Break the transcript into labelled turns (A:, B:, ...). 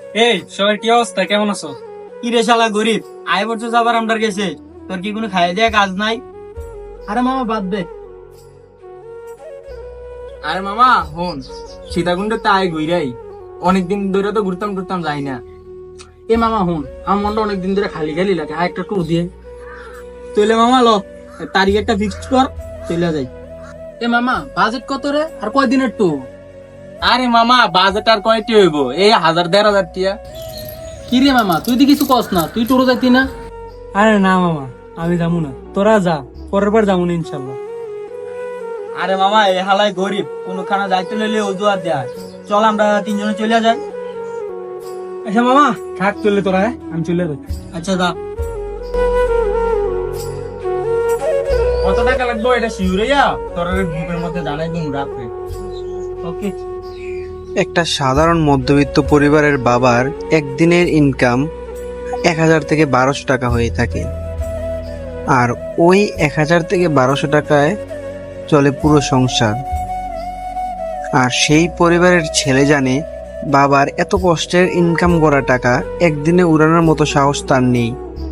A: এই সবার কি অবস্থা, কেমন আছো?
B: কি রে শালা গরিব, আয় বছর আবার আমরার গেছে, তোর কি কোনো খাইয়ে দেয়া কাজ নাই? আরে মামা বাদ দে।
C: আরে মামা হন, সীতাকুণ্ডে তাই ঘুরাই অনেকদিন ধরে তো ঘুরতাম টুরতাম যাই না। এ মামা হন, আমার মনটা অনেকদিন ধরে খালি খালি লাগে, আর একটা ট্যুর দিয়ে
B: চলে মামা লো, তারিখ একটা ফিক্সড কর, চলে যাই।
C: এ মামা বাজেট কত রে, আর কয়দিনের ট্যুর? আরে মামা বাজেট আর কয়টি হইব, এই 1000-1500 টিয়া। কি রে মামা তুই তো কিছু কস না, তুই ট্যুরে যাইতি না?
A: আরে না মামা, আমি যাবো না, তোরা যা, পরের বার যাবো না ইনশাল্লাহ।
B: আরে মামা এ হালাই গরিব, কোনো খানা যাইতে লইলে অজুহাত দেয়। চল আমরা তিনজনে চলে যাই।
A: আচ্ছা মামা থাক, চললে তোরা, আমি চলে যাই।
B: আচ্ছা দা।
C: কত টাকা লাগবে এটা শিউরাইয়া তোর গ্রুপের মধ্যে জানাই দিন রাখবে।
B: ওকে।
D: একটা সাধারণ মধ্যবিত্ত পরিবারের বাবার একদিনের ইনকাম 1000 থেকে 1200 টাকা হয়ে থাকে, আর ওই 1000 থেকে 1200 টাকায় চলে পুরো সংসার। আর সেই পরিবারের ছেলে জানে বাবার এত কষ্টের ইনকাম করা টাকা একদিনে উড়ানোর মতো সাহস তার নেই।